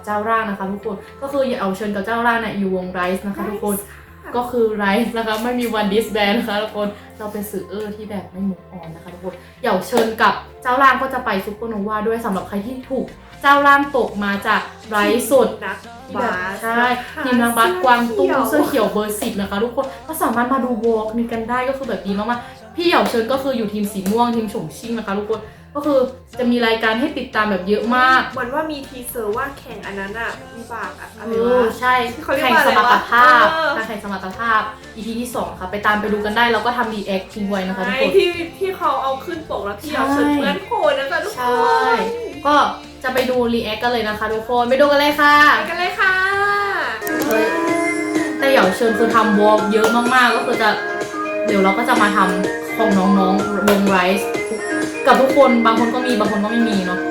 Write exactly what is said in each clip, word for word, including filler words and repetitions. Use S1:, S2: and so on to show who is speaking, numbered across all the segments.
S1: เจ้าร่างนะคะทุกคนก็คือเหยาเชิญกับเจ้าร่างเนี่ยอยู่วงไรซ์นะคะทุกคนก็คือไรซ์นะคะไม่มีวันดิสแบนนะคะทุกคนเราเป็นสื่อเออที่แบบไม่หมุนอ่อนนะคะทุกคนเหยาเชิญกับเจ้าร่างก็จะไปซุปเปอร์โนวาด้วยสำหรับใครที่ถูกเจ้าร่างตกมาจากไรซ์สุด
S2: นักบาส
S1: ใช่ทีมนักบาสกวางตุ้งเสื้อเขียวเบอร์สิบนะคะทุกคนก็สามารถมาดูวอล์กนี้กันได้ก็คือแบบดีมากๆพี่เหยาเชิญก็คืออยู่ทีมสีม่วงทีมฉงชิ่งนะคะทุกคนก็คือจะมีรายการให้ติดตามแบบเยอะมาก
S2: เหมือนว่ามีทีเซอร์ว่าแข่งอันนั้นอะมีปากอะอะไร
S1: เออ
S2: วะ
S1: ใช่
S2: เขาเรียก
S1: แข่ง
S2: ว่า
S1: ส
S2: อะไร
S1: มรรถ
S2: วะ
S1: ภาพ
S2: เออ
S1: การแข่งสมรรถภาพ อี พี ที่สองค่ะไปตามไปดูกันได้แล้วก็ทำรีแอคทิ้งไว้นะคะทุก
S2: ไอ้
S1: คน
S2: ที่ที่เขาเอาขึ้นปกแล้วพี่เอาเชิญเพื่อนโคนนะคะทุกค
S1: ใช่
S2: น
S1: ก็จะไปดูรีแอคกันเลยนะคะทุกคนไปดูกันเลยค่ะ
S2: ไปกันเลยค่ะ
S1: เฮ้ยแต่เหยาเชิญคือทำวอล์กเยอะมากๆก็คือจะเดี๋ยวเราก็จะมาทำของน้องๆวงไรซ์กับทุกคนบางคนก็มีบางคนก็ไม่มีเนาะ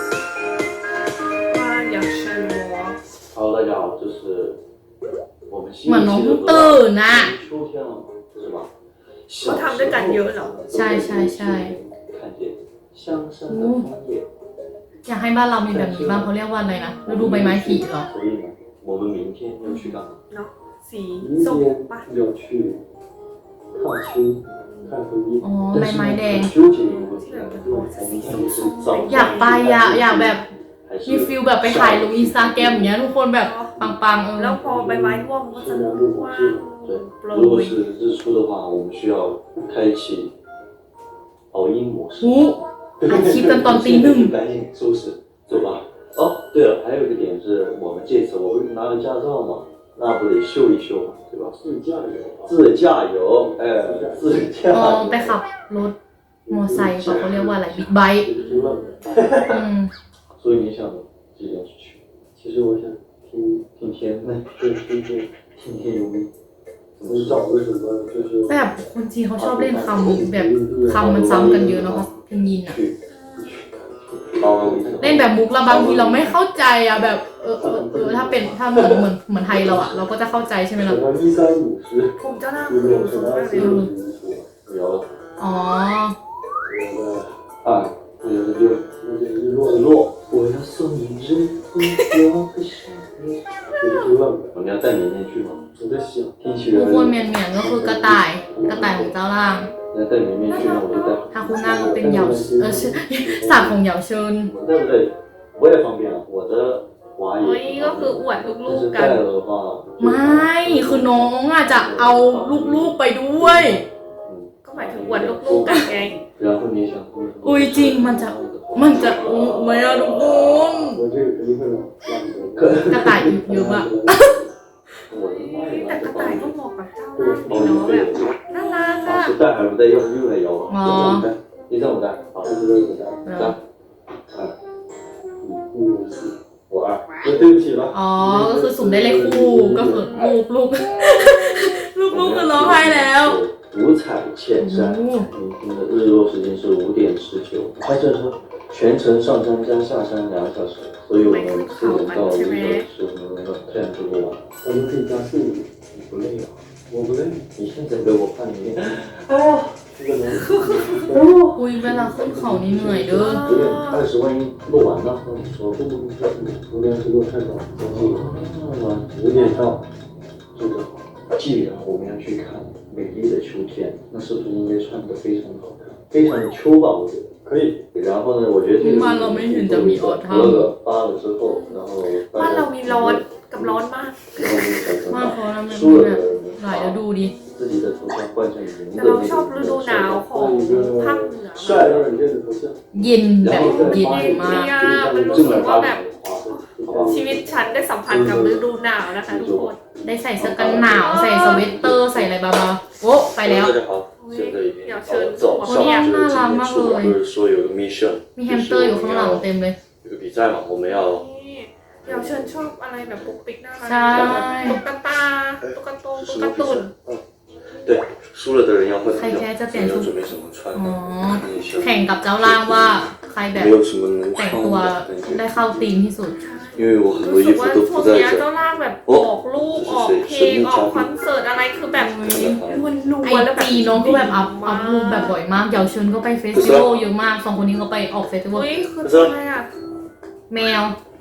S2: ว่าอยากเชิญวอล์ก
S3: 好，大家好，这是我们新
S1: เหมือนน้อง
S3: 一期
S1: เพิ่
S3: 的
S1: งตื่นน่ะ
S3: 秋天了，是吧？
S2: เขาทำด้วยกันเยอะเหรอ
S1: ใช่ใช่ใช่
S3: 看见香山的枫叶，
S1: อยากให้บ้านเรามีแบบนี้บ้างเขาเรียกว่าอะไรนะฤดูใบไม้ผลิเหรอ
S3: 所以呢，我们明天要去干嘛？
S2: เนาะสี
S3: 明
S2: ส้ม
S3: 天
S2: ปะ
S3: 要去看秋，看枫叶。
S1: อ๋อใบไม้แดง
S3: 纠结一个问题，我们看的是早
S1: อยากไปอะอยากแบบมีฟิลแบบไปถ่ายลงอินสตาแกรมอย่างเงี้ยทุกคนแบบปังๆเออ
S2: แล้วพอใบไม้ร่วงมันก็จะ
S3: 虽然路
S2: ก
S3: 不
S2: ว้าง
S3: 是对，
S2: โปร
S3: 如果
S2: ย
S3: 是日出的话，我们需要开启熬鹰模式。
S1: หูอาชีพกันตอนตีหนึ่ง
S3: 赶紧收拾，走吧。哦，对了，还有一个点是我们这次我不是拿了驾照嘛，那不得秀一秀嘛，对吧？自驾游，自驾游，哎，自驾
S1: อ๋อ
S3: 游。
S1: ไปขับรถมอไซค์เขาเขาเรียกว่าอะไรบิ๊กไบค์อืม
S3: 所以你想几点去？其实我想听听天籁，对，听天听天由命。很少为什么就是
S1: แบบคนจีนเขาชอบเล่นคำแบบคำมันซ้ำกันเยอะเนาะเพลงยินอะ
S3: 去去，好，我一
S1: เล่นแบบมุกแล้วบางทีเราไม่เข้าใจอะแบบเออเออเออถ้าเป็นถ้าเหมือนเหมือนเหมือนไทยเราอะเราก็จะเข้าใจใช่ไหมล่ะ
S3: 什么一三五十，
S2: ผมเจ้าหน้า
S3: 有
S2: คุณ
S3: 没有
S2: สู
S3: 什
S2: ง
S3: 么
S2: มากเลย
S3: 有有有
S1: อ๋อ
S3: 有的二，有的六，有的日落日落，我要送你日落的少年。我们要带绵绵去吗？我在想，天气
S1: ทุ
S3: 热
S1: กคนเมียนเมียนก็คือกระต่ายกระต่ายของเจ้าล่าง
S3: 要带绵绵去，那我就带。
S1: ฮาคุน่าก็เป็นเหยาเออชื่อสากของเหยาเชิญ
S3: 我带不带？我也方便了，我的娃
S2: เฮ้ย
S3: 也。
S2: ก็คืออวดลู
S3: 但
S2: ก
S3: 是
S2: ๆกัน
S3: 带了的话，
S1: ไม่คือน้องอะจะเอาลูกๆไปด้วย
S2: ก็หมายถึงอวดลูกๆกันไง
S3: 然后你想，
S1: อุ้ยจริงมันจะมันจะอุ้ไม่อะทุกคน
S3: 我这个肯定会让
S1: กระต่ายเยอะมาก
S3: 我的妈
S2: แต่
S3: 呀！
S2: กระต่ายก็เหมาะกับเจ้าล่างดีเนาะแบบน่ารักอะ
S3: 是带还是不带？要不用来摇啊？
S1: 哦
S3: 你让我带，好，这是我带，三，二，五，四，我二，对不起了。
S1: อ๋อก็คือสุ่มได้เลขคู่ก็คือลูกลูกลูกลูกคือร้องไห้แล้ว
S3: 五彩浅山，明天的日落时间是五点十九。拍摄车全程上山加下山两个小时，所以我们四点到五点十五分钟这样就过完。我们可以加速度，你不累啊？我不累。你现在给我看一遍。哎呀，这个能。
S1: อุ้ยเวลาขึ้นเขานี่เหนื่อยเด้อ
S3: 有点二十万一录完了，我不不不，五点十六太早，五点到，这个。既然我们要去看美丽的秋天，那是不是应该穿得非常好看，非常的秋吧？我觉得可以。然后呢，我觉得这个
S1: บ้านเราไม่เห็นจะมีออทัม
S3: 喝了发了之后，然后
S2: บ้านเรามีร้อนกับร้อนมาก
S3: 然后你才
S1: บ้าน
S3: 能
S1: เขาทำแบบ
S3: 输
S1: นี้
S3: 了
S1: แบบ
S3: 的
S1: หลายฤดูดิ
S3: 自己的头像换成您
S2: แต่
S3: 的
S2: เรา
S3: 那
S2: ชอบฤดู
S3: 个
S2: หนาวของภาคเหนือ
S3: 帅让人家的头像。
S1: เย็นแบบเย็นมาก
S2: เนี่ยมันรู้สึกว่าแบบชีวิตฉันได้สัมพันธ์กับฤดูหนาวนะคะทุกคน
S1: ได้ใส่เสื้อกันหนาวใส่สเวตเตอร์ใส่อะไรบ้างๆโอ้ไปแล้ว
S3: 大家好，现在已经
S2: 要
S3: 到了早上，
S1: 我
S3: 就是
S1: 那
S3: 今天出门不是说有个 mission，
S1: มีแฮมสเตอร์อยู่ข้างหลังเต็มเลย
S3: 有个比赛嘛，我们要
S2: นี่เดี๋ยวเชิญชอบอะไรแบบปุกปิกน่ารัก
S1: ใช่
S2: ตุ๊กตาตุ๊กตาตุ๊กตาตุ่น
S3: 对输了的人要换头
S1: ใคร
S3: 像，
S1: แพ้จะเป
S3: 你
S1: ลี่ยน
S3: 要
S1: ชุด
S3: 准备什么穿
S1: อ๋อ
S3: 的？你
S1: แข่งกับเจ้าล่างว่าใครแบบ
S3: 没有什么能
S1: แต่ง
S3: 穿
S1: ตัว
S3: 的
S1: ได้
S3: 感觉，
S1: เข้าธีมที่สุด
S3: 因为我很多
S2: รู้
S3: 衣
S2: สึก
S3: 服
S2: ว่า
S3: 都
S2: ช่ว
S3: 不
S2: ง
S3: 在
S2: เนี้ย
S3: 这
S2: เจ้า
S3: 儿。
S2: ล่างแบบออกลูกออกเพลงออกคอนเสิร์ตอะไรคือแบบล้วนล้
S1: ไอ
S2: วนแล้วแบบ
S1: จีน้องก็แบบอัพอัพรูปแบบบ่อยมากเหยาเชิญก็ไปเฟสติวัลเยอะมากสองคนนี้ก็ไปออกเฟสติวัล
S2: เฮ้ยคืออะไรอ่ะ
S1: แมว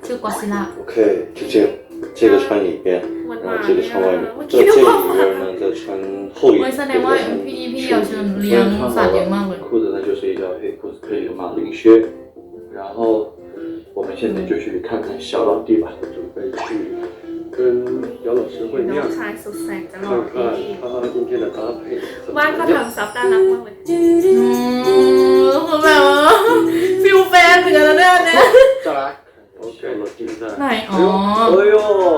S1: ชื่อกอซิล่า
S3: OK，就这样，这个穿里边，
S2: มัน
S3: 然
S2: มา
S3: 后这个穿外面，
S2: เมื่อ
S3: 这
S2: กี้
S3: 这
S2: นึก
S3: 里
S2: ว่า
S3: 边呢再穿厚一
S1: เฮ้ย
S3: 点，
S1: แสด
S3: 对
S1: ง
S3: 不
S1: ว่า
S3: 对？
S1: พี่พี่เหยาเชิญเลี้ยงสัตว์เยอะมากเลย
S3: 裤子呢就是一条黑裤子，配一个马林靴，然后我们现在就去看看小老弟吧，准备去跟姚老师会
S2: น้
S3: 面
S2: อง，ชายสุดแสนจะห
S3: 看
S2: ล่อ
S3: 看
S2: ดี
S3: 他今天的搭配怎么
S2: บ้านเขา
S3: 样。
S2: ทำซับน่ารักมากเลย
S1: อืมคือแบบว่าฟิลแฟนเหมือนกันแล้วเนี่ยเนี่ย
S3: 再来，OK，小老弟在。
S1: ไหนอ๋อ
S3: 哎呦，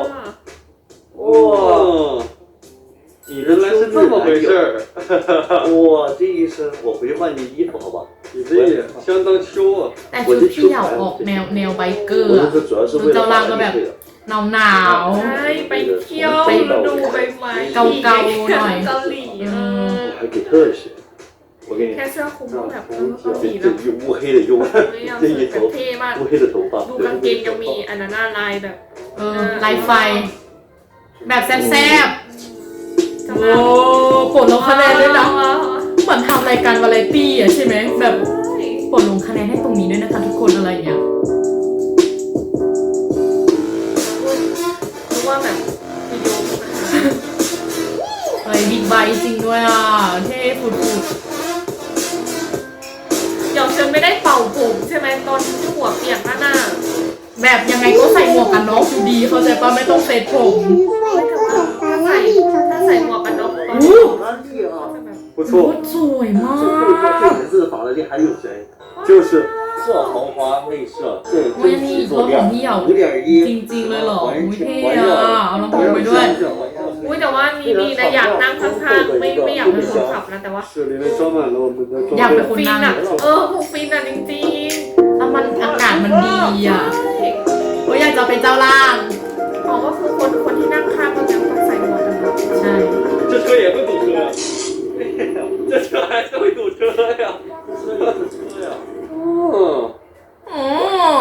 S3: 哇！你的
S4: 原来是这么回事儿，
S3: 哇，这一身我回去换件衣服，好吧？
S4: 你这也相当秋啊！
S1: แต่ชุดพี่เหยาออกแนวแนวไบเกอร์
S3: 我
S1: อะ
S3: 这主要是为了防止退的。
S1: หนาวหนาว
S2: ใช่ไปเที่ยวดูใบไม้
S1: เกาๆหน่อย
S2: เกาหลีเออ
S3: 我还给特写，我给你
S2: แค่เสื้อคลุมก็แบบเออ
S3: 这
S2: เกาหลี
S3: 这
S2: แล้ว
S3: 乌黑的优，
S2: ไม่อยาก
S3: 这
S2: ใส่
S3: 一
S2: แบบ
S3: 头
S2: เท่มาก
S3: 乌黑的头发，
S2: ดูกางเกงยังมีอันนั้นหน้าลายแบบ
S1: เออลายไฟ แบบแซ่บๆ โอ้ปลดลงคะแนนด้วยนะ เหมือนทำรายการวาไรตี้อ่ะใช่ไหมแบบปลดลงคะแนนให้ตรงนี้ด้วยนะคะทุกคนอะไรอย่างเงี้ย
S2: รู้ว่าแบบวิดีโอมีปัญหา
S1: อะไรบิ๊กไบค์จริงด้วยอ่ะเท่ฝุด
S2: หยอกเชิญไม่ได้เป่าผมใช่ไหมตอนที่หัวเปียกหน้าหน้า
S1: ๆแบบยังไงก็ใส่หมวกกันน็อกอยู่ดีเข้าใจปะไม่ต้องเซ็ตผม
S2: ถ้าใส่ถ้าใส่หมวกกันน็อกตอน
S1: อู้
S2: นี้
S3: 哪里啊？
S2: จะแบบ
S4: 不
S1: รถ
S4: 错，
S1: สวยมาก
S3: 这配套这颜色的法拉利还有谁？
S4: 就是
S3: 这豪华内饰，这
S1: โอ้ย
S3: 真
S1: นี่
S3: 皮
S1: รถ
S3: 做
S1: ของ
S3: 料，
S1: พี่เหยา
S3: 五点
S1: จ
S3: 一，
S1: ริงๆเลยเหรอ
S3: 完
S1: อุ้ย
S3: 全
S1: เท่
S3: 完
S1: อะ
S3: 料，
S1: เอาลำโพงไปด้วย
S2: อุ้ยแต่ว่านี่นี่นะอยากนั่งข้างๆไม่ไม่อยากเป็นคนขับนะแต่ว่า
S4: 是里面装满了我们的
S1: อยาก
S4: 装
S1: เป็น
S4: 备。
S1: คน
S2: ฟิน
S1: นั่ง
S2: อ่ะเออคงฟินอ่ะจริง
S1: แล้วมันอากาศมันดีอ่ะ
S2: ๆใช่
S1: โอ้ยอยากจะเป็นเจ้าล่าง
S2: อ๋อก็คือคนคนที่นั่งข้างก็ยังต้องใส่หมวกกันน็อก
S1: ใช่
S4: 这车也会堵车呀，这车还是会堵车呀。
S3: 哦，
S1: อ๋อ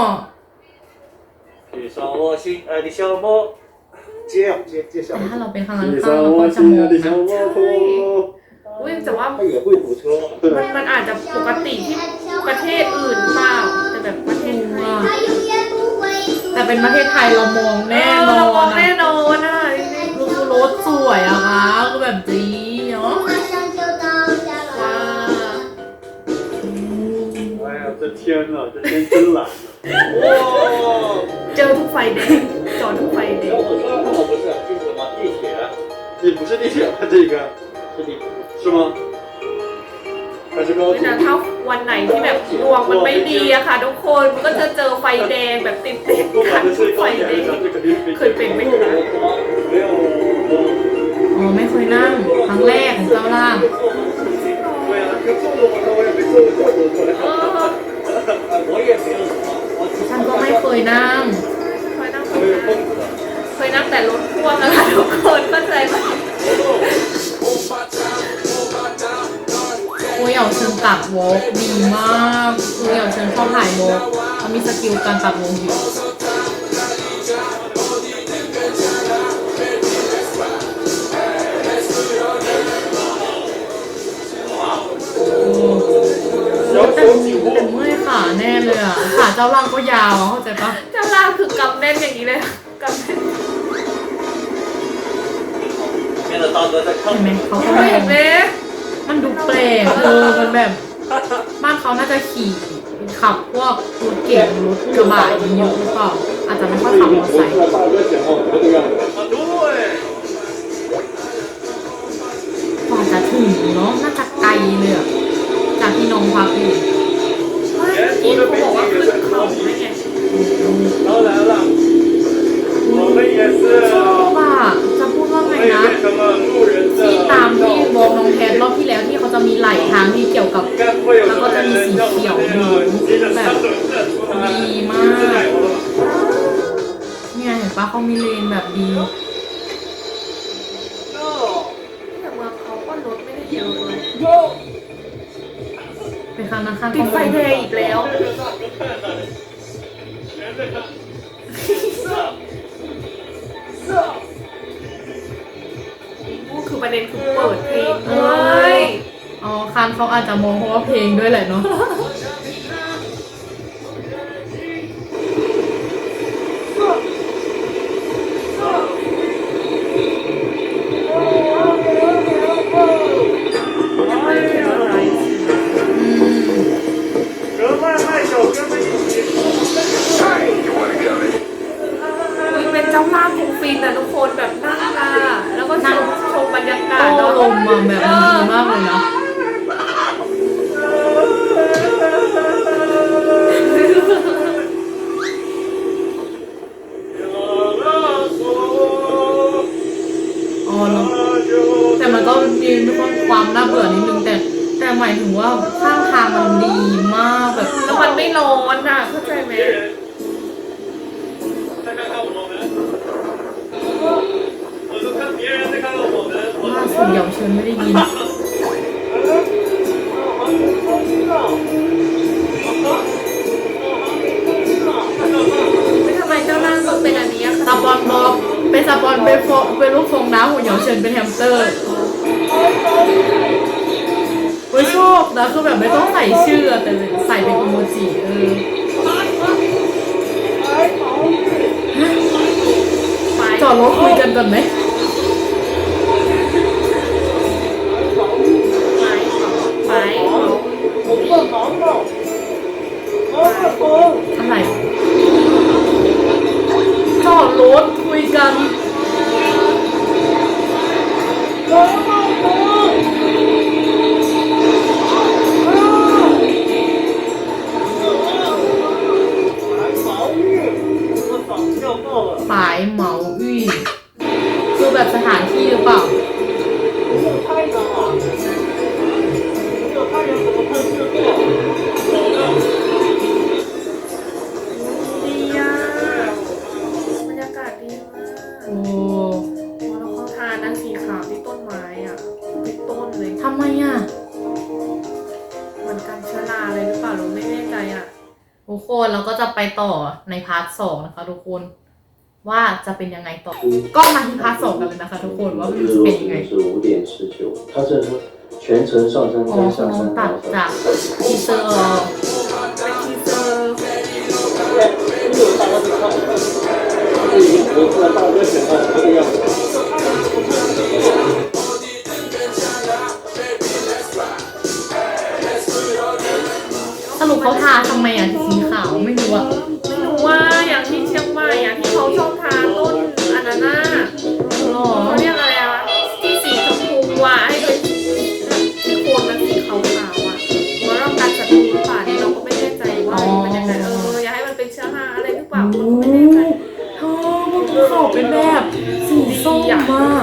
S3: 遇上我心爱的小猫，接啊接接下
S1: แต่
S3: 来，
S1: ถ้าเราเป็นข้างหลัง
S4: 骑
S1: ข้าง
S4: 上
S1: เราก็
S4: 我
S1: จะ
S4: 心
S1: มอ
S4: 爱
S1: ง
S4: 的
S1: นะ
S4: 小摩托。
S2: อุ้ยแต่ว่า
S3: 它也会堵车。
S2: มันมันอาจจะปกติที่ประเทศอื่นเปล่าแต่แบบประเทศไทย
S1: แต่เป็นประเทศไทยเรามองแน่น
S2: เออเราม
S1: อ
S2: อง
S1: น
S2: แน่
S1: อะ
S2: นอนอ่ะจริง
S1: ดูรถสวยอะคะก็แบบดีเนาะ
S2: ๆว้า
S4: 哎呀，这天呐，这天真蓝呐！哇！
S2: เจอทุกไฟแดงจอดทุกไฟแดง
S3: 我说那我不是，这是什么地铁？
S4: 你不是地铁吗？这个
S3: 是地铁。
S4: 是吗？还是高
S2: เว
S4: 铁
S2: ลา？ถ้าวันไหนที่แบบดวงมันไม่ดีอะค่ะทุกคนมันก็จะเจอไฟแดงแบบติดติด
S4: 不
S2: ๆกั
S4: 管
S2: น
S4: 这
S2: ทุก
S4: 是
S2: ไฟ
S4: 高铁
S2: แด
S4: 还是
S2: ง
S4: 啥，这肯定是
S2: เคยเป็นไหมคะ
S4: 没有。
S1: อ๋อไม่เคยนั่งครั้งแรกของเจ้าล่าง
S4: 对呀，就坐过摩托，我也没坐过这么多
S2: เออ
S3: 我也没有什么，我只
S1: ฉันก็ไม่เคยนั่ง
S2: เคยนั่งเคยนั่งเคยนั่งแต่รถพ่วงอะค่ะทุกคนเข้าใจไหม
S1: โอ้ยเหยาเชิญตักวอล์กดีมากคือเหยาเชิญชอบถ่ายวอล์กเขามีสกิลการตักวงอยู่แต่แต่เมื่อยขาแน่เลยอ่ะขาเจ้าล่างก็ยาวอะเข้าใจปะ
S2: เจ้าล่างคือกำแน่นอย่างนี้เลยกำแน่น
S3: 面的大哥在看
S1: เห็นไหมเขาก็
S2: เห็
S1: เห็
S2: น
S1: น
S2: ไหม
S1: มันดูแปลกเออมันแบบ บ้านเขาน่าจะขี่ขับพวกรถเก๋งรถกระบะเยอะหรือเปล่าอาจจะไม่ค่อยขับมอเตอร์ไซค์
S4: 大哥显好这个样子。
S3: 啊，对。
S1: กว่าจะถึงเนาะน่าจะไกลเลยอะจากที่น้องพักอยู่
S2: เมื่อกี้เขาบอกว่าขึ้นเขาได้ไง
S4: 当然了，我们也是
S1: ชอบอะจะพูดว่าไง
S4: 可以
S1: นะ
S4: 变成了路人的
S1: ที่ตามที่
S4: 道
S1: วอลน้องแพทรอบที่แล้วที่เขาจะมีไหลทางที่เกี่ยวกับ
S4: 应该不会有什么人像我们这样骑着三轮车出来，是奶油了吧？
S1: เนี่ยเห็นปะเขามีเลนแบบดี
S2: แต่เมืองเขาก็รถไม่ได้เยอะเลย
S1: เป็นครั้งนั้นครั้ง
S2: ติดไฟแดงอีกแล้ว
S4: 全在看，
S2: คือประเด็นคือเปิดเพลงเลย
S1: อ๋อคันเขาอาจจะมองเพราะว่าเพลงด้วยแหละเนาะ
S2: เจ้าล่างของฟินอะทุกคนแบบนั่งอะแล้วก็นั่งชมบรรยากาศ
S1: โอ้
S2: เนาะ
S1: ลมมาแบบมันดีมากเลยนะอ๋อเนาะแต่มันก็มีความน่าเบื่อนิดนึงแต่แต่หมายถึงว่าข้างทางมันดีมากแบบ
S2: แล้วมันไม่ร้อนอะเข้าใจไหม
S4: 再看看我们，我就看别人，再看看我们。
S1: ล่าสุดเหยาเชิญไม่ได้ยิน
S2: ไม่ทำไมเจ้าล่างต้องเป็นอันนี้อะ
S1: สปอนบอบเป็นสปอนเป็นโฟเป็นรูปฟองน้ำของเหยาเฉินเป็นแฮมสเตอร์เว้ยชอบนะคือแบบไม่ต้องใส่ชื่อแต่ใส่เป็นอีโมจิเออ
S2: ไป
S1: จอดรถคุยกันก่อนไหม
S2: ไปไป
S1: อะไรจอดรถคุยกันฝายเหมาอี้คือแบบสถานที่หรือเปล่า
S2: ดีอะบรรยากาศดีมาก
S1: โอ้
S2: แล้วเขาทานนั้นสีขาวที่ต้นไม้อ่ะทุกต้นเลย
S1: ทำไมอ่ะ
S2: เหมือนกันเชื้อราเลยหรือเปล่าเราไม่แน่ใจอ่ะ
S1: ทุกคนเราก็จะไปต่อในพาร์ทสองนะคะทุกคนว่าจะเป็นยังไงต่อ ก็มาที่พาร์ทสองกันเลยนะคะทุกคนว่ามัน
S3: 日
S1: จะ
S3: 落
S1: เป็น
S3: 时
S1: ยังไง
S3: 间是五点十九，他这说全程上山
S1: อ๋อ
S3: 加
S1: คือ
S3: 下
S1: น้อง
S3: 山
S1: ตัด
S3: 两
S1: จาก
S3: 小时。
S1: ทีเซอร์
S2: เป็นทีเซอร์
S3: 我突然大热显到这个样子。
S1: สรุปเขาทาทำไมอ่ะสีขาวไม่รู้อ่ะ
S2: ไม่รู้ว่าอย่างที่เชียงใหม่อ่ะที่เขาชอบทานต้นอันนั้นน่ะ
S1: หรอ
S2: เขาเรียกอะไรอ่ะที่สีชมพูอ่ะให้เป็นที่โคนมันสีขาวๆอ่ะเพราะเราการศัตรูหรือเปล่าเนี่ยเราก็ไม่แน่ใจว่ามันยังไงเอออย่าให้มันเป็นเชื้อราอะไรหรือเปล่าเราก็ไม่แน่ใจ
S1: เธอมันภูเขาเป็นแบบสีส้มมาก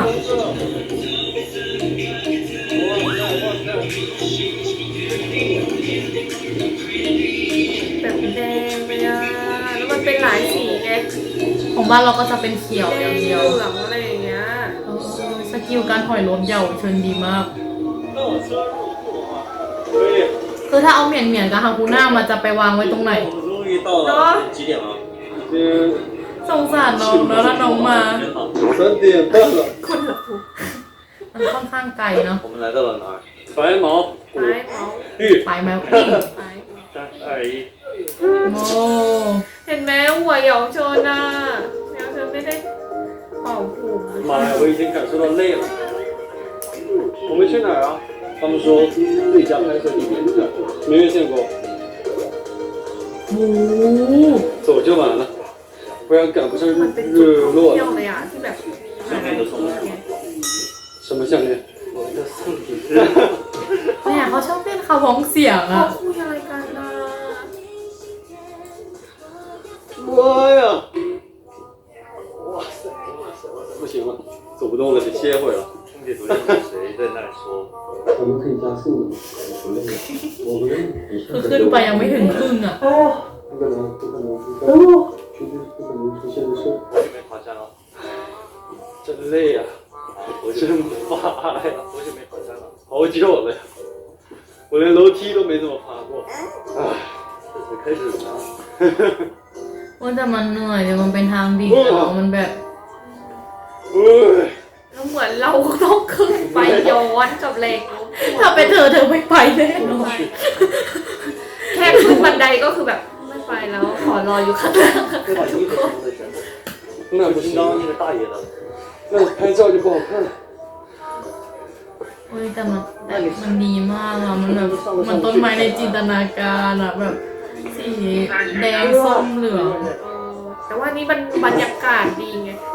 S2: แบบแดงเลยอ่ะแล้วมันเป็นหลายสีไง
S1: ของบ้านเราก็จะเป็นเขียว
S2: แด
S1: อย่าง
S2: งเห
S1: เดียว
S2: ลืองอะไรอย่างเงี้ย
S1: เออสกิลการถอยรถเหยาเชิญดีมาก
S4: 那我车入库的话，可以。
S1: คือถ้าเอาเหมียนเหมียนๆกับฮาคูน่ามันจะไปวางไว้ตรงไหน
S4: 我们终于到了几点了？已经
S1: สงสารน้องแล้วถ้าน้องมา
S4: 三点半了。
S2: คนละผู
S1: มันค่อนข้างไกลเนาะ
S3: 我们来到了哪儿？
S4: 白毛
S2: ไม้เมาส์
S4: 绿
S1: ไปไหมพี่
S2: ไม้
S4: 三二一，
S1: โอ้
S2: เห็นไหมหัวเหยาโชนอ่ะเหยาโชนไม่ได้เป่าผม
S4: 妈呀，我已经感受到累了。我们去哪儿啊？他们说最佳拍摄地点是这儿，没越线过，
S1: โห
S4: 走就完了，不然赶不上
S2: มันเป็นจุด
S4: 日
S2: ท่อง
S4: 落
S2: เที่ยว
S4: 了。
S2: เลยอ่ะที่แบบ
S4: 什么项链？我的送礼。
S1: เนี่ยเขาชอบเล่นคาร้องเสียง
S2: เขา
S1: อะ
S2: คุยอะไรกันนะ
S4: 妈呀！哇塞哇塞哇塞！不行了，走不动了，得歇会儿了。
S5: 兄弟昨天跟谁在那里说？
S3: 我们可以加速的，不累。我不累。
S1: คือขึ้นไปยังไม่ถึงครึ่งอะ
S3: 不可能，不可能出现，绝对不可能出现的事。
S5: 好久没爬山了，
S4: 真累呀、真发呀！
S5: 多久没爬山了？
S4: 好久了呀，我连楼梯都没怎么爬过。唉，
S5: 这才开始呢。
S1: ว่าแต่มันเหนื่อยแต่มันเป็นทางดิ่งอะมันแบบ
S4: 唉，
S2: แล้วเหมือนเราต้องขึ้นไปย้อนกับแรงโน้มถ่วง
S1: ถ้าเป็นเธอเธอไม่ไปแน่นอน
S2: แค่ขึ้นบันไดก็คือแบบไม่ไปแล้วขอรออยู่ข้างล่างค่ะ
S5: 再把衣服收在身上，
S4: 那不行，
S5: 刚刚那个大爷的，
S4: 那拍照就不好看了。
S1: เฮ้ยแต่มันแต่มันดีมากอะมันแบบมันต้นไม้ในจินตนาการอะแบบสีแดงส้มเหลือง
S2: เออแต่ว่านี่มันบรรยากาศดีไง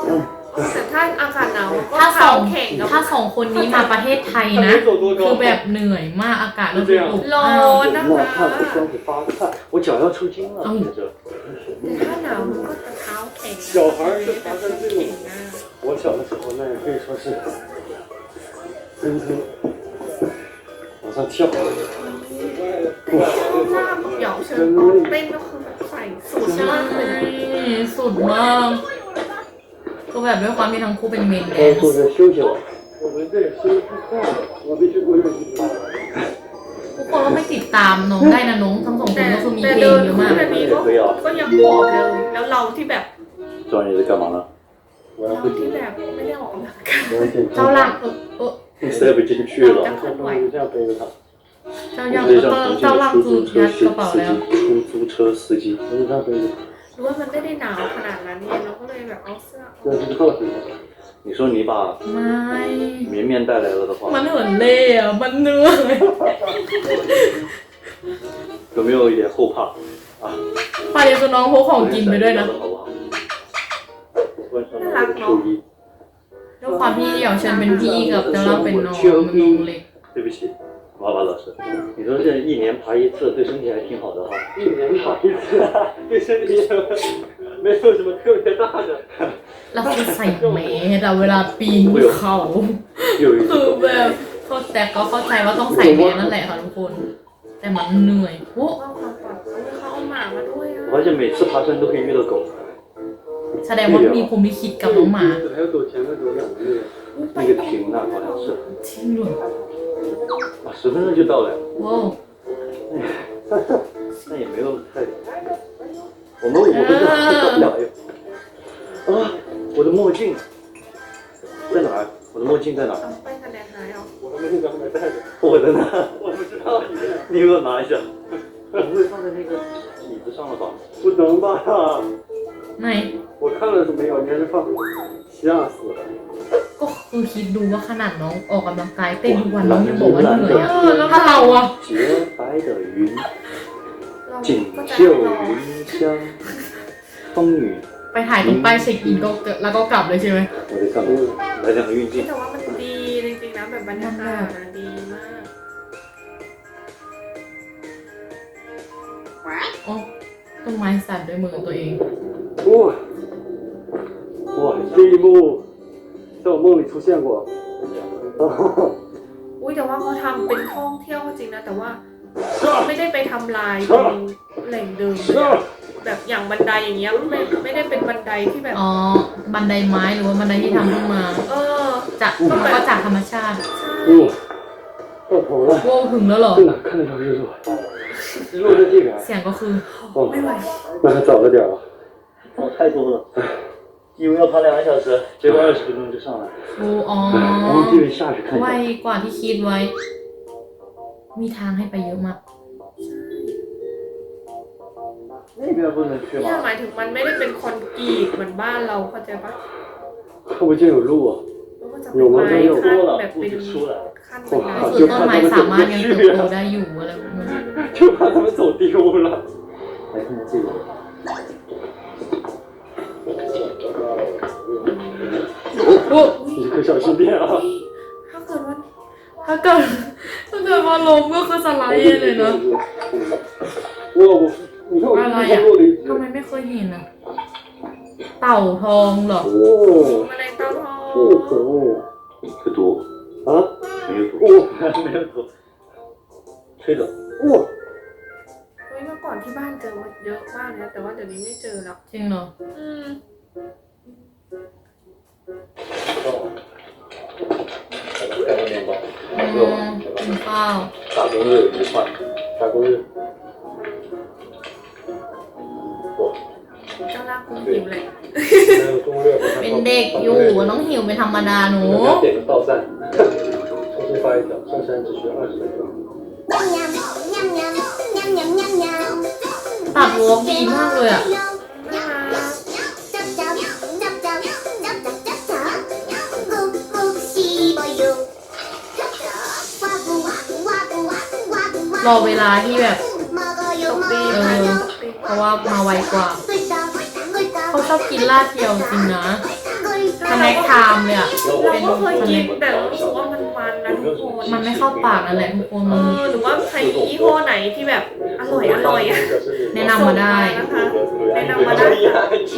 S1: ถ้าสอง
S2: แข่งกับ
S1: ถ้าสองคนนี้มาประเทศไทยนะ คือแบบเหนื่อยมากอากาศเริ่มอบ
S2: ร้อ
S1: อ้าวน
S2: นะ
S5: 冒
S2: คะ
S5: 汗不光是发汗，我脚要抽筋了，
S1: 嗯
S5: 接着。
S2: แต่ถ้าหนาวมันก็จะเท้าแข็งนะ
S4: 小孩儿是爬山最猛
S2: แข็งนะ
S4: 我小的时候那也可以说是真真往上跳。
S2: แต่เจ้าล่างกับเหยาเชิญตอนเต้นก็คือแบบใส่สุด
S1: ใช่
S2: มากเลย
S1: สุดมากก็แบบด้วยความที่ทั้งคู่เป็นเมนแด
S5: 该
S1: น
S5: 坐
S1: ซ์
S5: 着休息了。
S4: 我们这也是太快了，我必须过热气球。
S1: ทุกคนก็ไม่ติดตามน้องได้นะน้องทั้งสองค
S2: แต่
S1: นก็คือมี
S2: แต่
S1: เพล
S2: เดิ
S1: ง
S2: น
S1: เยอะ
S2: คู่
S1: มาก
S2: แบบนี้ก็ก็ยังผอมเลยแล้วเราที่แบบ
S5: 赵你在干嘛呢？
S4: 我要
S2: เรา
S4: 不
S2: ที่
S4: 行，
S2: แบบไม่ได้ออกกำลังกาย
S4: 我要减
S1: เจ้า
S4: 轻。
S1: ล่างเออเออ
S5: 你塞不进去了。
S4: 我不能就这样背着他，
S1: เจ้าย่าง
S5: 这
S1: แล้ว
S5: 像
S1: ก็
S5: 重庆
S1: เจ้าล่าง
S5: 的出
S1: คือ
S5: 租
S1: ยัด
S5: 车
S1: กระเป๋าแล้ว
S5: 司出租车司机。
S4: 我就这样背着他。
S2: หรือว่ามันไม่ได้หนาวขนาดนั้นไงเราก็เลยแบบเอาเสื้อ
S4: 这是靠什么？
S5: 你说你把
S1: ไม่
S5: 绵绵带来了的话，
S1: มันเหมือนเล่อะมันเหนื่อย
S5: 有没有一点后怕啊？
S1: ไปเดี๋ยวคือน้องพกของกินไปด้วยนะ
S5: 好不好？换上了我的秋衣。
S1: ด้วยความที่เหยาเชิญเป็นพี่กับเจ้าล่างเป็นน้องมันน้องเล็ก
S5: 对不起，娃娃老师，你说这一年爬一次对身体还挺好的哈。
S4: 一年爬一次，对身体也没有什么特别大的。
S1: เราคือใส่แมสอะเวลาปีนเขา
S5: 又一
S1: คือ
S5: 次。
S1: แบบเขาแต่ก็เข้าใจว่าต้องใส่แมสนั่นแหละค่ะทุกคน แต่มันเหนื่อยโอ้
S2: ว่าความปลอดภัยเขาเอาหมามาด้วยอ่ะ
S5: 我发现每次爬山都可以遇到狗。
S1: แสดงว่ามีภูมิลิขิตกับน้องหมา
S4: 还有走前面走两个月。
S5: 那个亭那好像是，
S1: จริงเหรอ
S5: 啊，十分钟就到了呀。
S1: ว้าว
S5: 那也没有太，我们我们这到不了呀。啊，我的墨镜在哪儿？我的墨镜在哪儿？
S2: ต้องไปคะแนนหายเอา
S4: 我的墨镜怎么没带着？
S5: 我的呢？
S4: 我不知道。
S5: 你给我拿一下。我不会放在那个椅子上了吧？
S4: 不能吧？
S1: ไหน
S4: 我看了是没有，应该是放。吓死了！
S1: ก็คือคิดดูว่าขนาดน้องออกกำลังกายเต้นทุกวันน้องยังบอกว่าเหนื่อยอะถ้าเราอะ
S5: 洁白的云，
S2: เรา
S5: 锦
S2: ก็จะ
S5: 绣
S2: รอ
S5: 云香，风雨。
S1: ไปถ่ายตรงป้ายเช็คอินก็แล้วก็กลับเลยใช่ไหม
S5: 我在干嘛？来两个运镜
S2: แต่。ว่ามันดีจริงๆนะแบบบรรยากาศมันดีมาก
S1: โอ้ต้นไม้สั่นด้วยมือตัวเอง
S4: 哇哇，这一幕在我梦里出现过。
S2: อุ้ยแต่ว่าเขาทำเป็นท่องเที่ยวก็จริงนะแต่ว่าไม่ได้ไปทำลายตรงแหล่งเดิมเลยอะแบบอย่างบันไดอย่างเงี้ยไม่ไม่ได้เป็นบันไดที่แบบ
S1: อ๋อ บันไดไม้หรือว่าบันไดที่ทำขึ้นมา
S2: เออ
S1: จากมันก็จากธรรมชาติ
S4: 哦，到头了，
S1: โว้ถึงแล้วเหรอ
S4: 在哪看得到日落？日落在这边。
S1: เสียงก็คือ
S4: 哦，
S2: ไม่ไหว
S4: 那还早了点啊。
S5: 哦，太多了，以为要爬两个小时，结果二十分钟就上来。
S1: โอ้อ๋อ
S5: 然后这边下去看一
S1: ไว
S5: 下。
S1: กว่าที่คิดไว้ มีทางให้ไปเยอะมาก
S5: 那边不能去
S2: เนี่ย
S5: 吗？
S2: หมายถึงมันไม่ได้เป็นคอนกรีตเหมือนบ้านเราเข้าใจปะ
S4: 看不见有路啊。
S2: แล้วก็จะเป็นไม้ขั้นแบบเป็นขั้นเป็นไม้
S1: ก็คือต้นไม้สามารถยังเติบโตได้อยู่อะไรแบบนี้
S4: 就怕他们走丢了。
S5: 来看看这个。
S1: โอ้
S4: 你可小心点啊！
S2: ถ้าเกิดว่า
S1: ถ้าเกิดถ้าเกิดว่าล้มก็คือสไลด์เลยนะ
S4: 我我，你看我这边落了一只
S1: ทำ。ไมไม่เคยเห็นอะเต่าทองเหรอ
S4: 哦，
S2: แมลงเต่าทอง
S4: 不可能
S5: 有毒？
S4: 啊！
S5: 没有毒。
S4: 哦
S5: 没有毒。吹的。
S4: 哇，
S2: เฮ้ยเมื่อก่อนที่บ้านเจอมาเยอะมากนะแต่ว่าเดี๋ยวนี้ไม่เจอแล้ว
S1: จริงเหรอ
S2: อืม
S5: 两个面包。
S1: อืมกินข้าว
S5: 打工日愉快。
S4: 打工日。
S2: เจ้าลากกูหิวเลย
S4: 还有中日。
S1: เป็นเด็กอยู่ต้องหิวเป็นธรรมดาหนู
S4: 我们要点个到站，重新发一条，上山只需二十分钟。
S1: ตัดวอล์กดีมากเลยอะ
S2: น่ารัก
S1: รอเวลาที่แบบ
S2: ตกดี
S1: เอ
S2: มาก
S1: อ
S2: ตกดี
S1: เพราะว่ามาไวกว่า เขาชอบกินลาดเทียวจริงนะ ขนาดน็กไทม์เลยอ่ะ
S2: เราก็เคยกินแต่เรารู้สึกว่ามันมันนะทุกคน
S1: มันไม่เข้าปากนั่นแหละทุกคน
S2: เอ
S1: มัน
S2: อหรือว่าใครมียี่ห้อไหนที่แบบอร่อยอร่อยอะ
S1: แนะนำมาได้
S2: นะคะแนะนำมาได้ค่ะ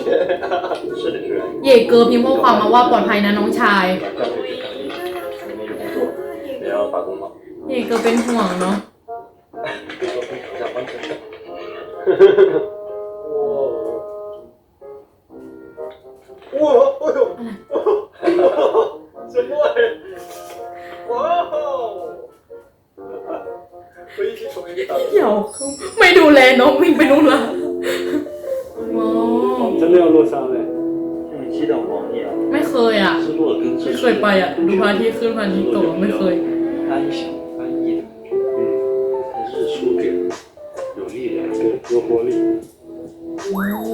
S1: เย่เกอร์พิมพ์ข้อความมาว่าปลอดภัยนะน้องชาย
S3: 不要打工嘛。
S1: เย่เกอร์เป็นห่วงเนาะ
S4: 哇，哎呦，什么哎？哇哦！我一起从一个大。
S1: เหี่ยวคือไม่ดูแลน้องวิ่งไปนู่นละว้าว
S4: 真的要落山嘞！
S3: 像你七档黄一样，
S1: ไม่เคยอ่ะ
S3: 是落跟
S1: ไม่เคยไปอ่ะดูพระอาทิตย์ขึ้นพระอาทิตย์ตกไม่เคย
S3: 安详安逸的，嗯，但日出给人有力量。
S4: 对，有活力。
S1: โอ้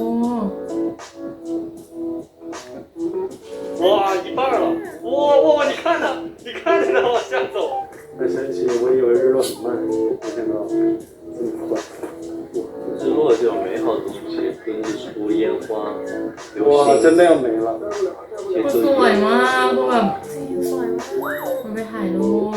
S4: 哇，一半了！哇哇，你看呢？你看着它往下走。很神奇，我以为日落很慢，没想到这么快。
S3: 日落这种美好的东西，跟日出烟花、流
S4: 哇，
S3: 星，
S4: 真的要没了。
S3: 其实
S1: สวยมากก็แบบ
S2: สวยมาก
S1: มันไปถ่ายรูป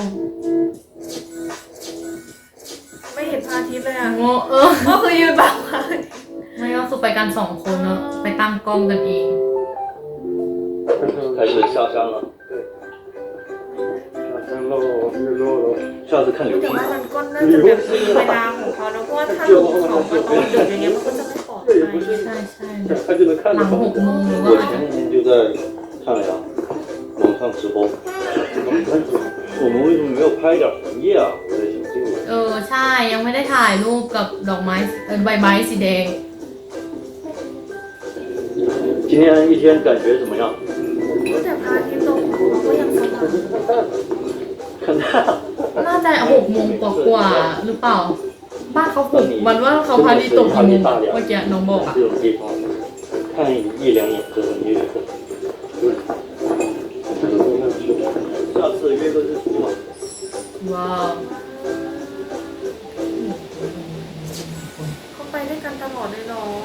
S2: ไม่เห็นพระอาทิตย์เลยอ่ะ
S1: โอ้เออ
S2: ก็คือยืนบังพระอาทิตย์
S1: ไม่ก็คือไปกันสองคนเนาะไปตั้งกล้องกันเอง
S3: 开始下山了。
S4: 下山喽，日落喽。
S3: 下次看流
S2: แต่
S3: 星
S2: ว่ามันก็น่าจะแบบมีเวลาของเขาแล้วเพราะว่าถ้าลงเขามาตอนดึกอย่างเงี้ยมันก็จะไม่ปลอดภัย
S1: ใช่ใช่
S4: 他就能看
S1: ห
S4: 着
S1: ลังหกโมงหรือว่า
S3: 我前几天就在看了呀，网上直播。我们为什么没有拍一点红叶啊？我在想这个问题。
S1: เออใช่ยังไม่ได้ถ่ายรูปกับดอกไม้เออใบไม้สีแดง
S3: 今天一天感觉怎么样？
S2: แต่พระอาทิตย์ตกเขาก็ยังสว่าง
S3: 看太阳。
S1: น่าจะหกโมงกว่าๆหรือเปล่า บ้านเขาหกวันว่าเขาพาดีตกกี่โมงอะเมื่อกี้น้องบอกอ่ะ
S3: 这种地方看一两眼就很愉快。下次约个日出吧。
S1: ว้าว
S2: เขาไปด้วยกันตลอดเลยเนาะ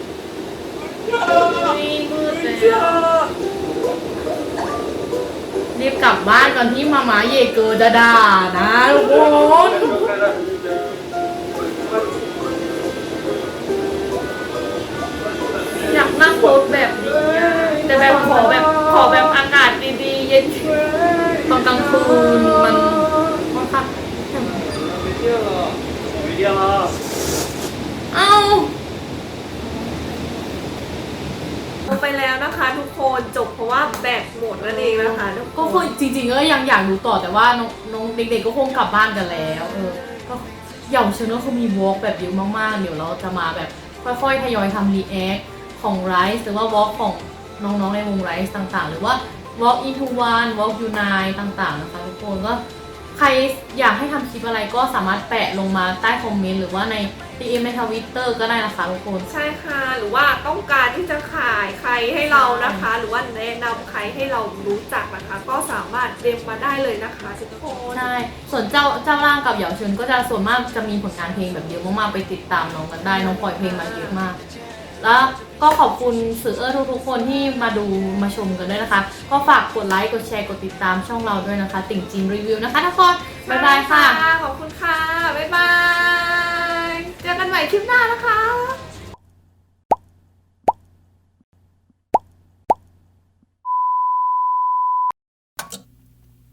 S2: นี่มืดแล้ว
S1: รีบกลับบ้านก่อนที่มาม่าเย่เกอร์จะด่านะทุกคน
S2: อยากนั่งรถแบบนี้อะแต่แบบขอแบบขอแบบอากาศดีๆเย็น
S1: ตอนกลางคืนมันค่อนข้าง
S4: 没电了，没电了。
S1: เอ้า
S2: ลงไปแล้วนะคะทุกคนจบเพราะว่าแบตหมดนั่นเองนะคะทุก
S1: ก็
S2: ค
S1: คือน จริงๆก็ยังอยากดูต่อแต่ว่าน้องน้องเด็กๆก็คงกลับบ้านกันแล้วเออก็เหย่าเชนก็คือมีวอล์กแบบเยอะมากๆเดี๋ยวเราจะมาแบบค่อยๆทยอยทำรีแอคของไรซ์หรือว่าวอล์กของน้องๆในวงไรซ์ต่างๆ หรือว่า Walk into one Walk unite ต่างๆนะคะทุกคนก็ใครอยากให้ทำคลิปอะไรก็สามารถแปะลงมาใต้คอมเมนต์หรือว่าใน ดี เอ็ม ในทวิตเตอร์ก็ได้นะคะทุกคน
S2: ใช่ค่ะหรือว่าต้องการที่จะขายใครให้เรานะคะ หรือว่าแนะนำใครให้เรารู้จักนะคะ ก็สามารถเดมมาได้เลยนะคะทุกคน
S1: ใช่ ส่วนเจ้าเจ้าร่างกับเหยาเชิญก็จะส่วนมากจะมีผลงานเพลงแบบเยอะมากๆไปติดตามน้องกันได้น้องปล่อยเพลงมาเยอะมาก แล้วก็ขอบคุณสื่อเออทุกๆคนที่มาดูมาชมกันด้วยนะคะ ก็ฝากกดไลค์กดแชร์กดติดตามช่องเราด้วยนะคะ ติ่งจินรีวิวนะคะทุกคนบ๊ายบายค่ะ
S2: ขอบคุณค่ะ บ๊ายบาย เจอกันใหม่คลิปหน้านะคะ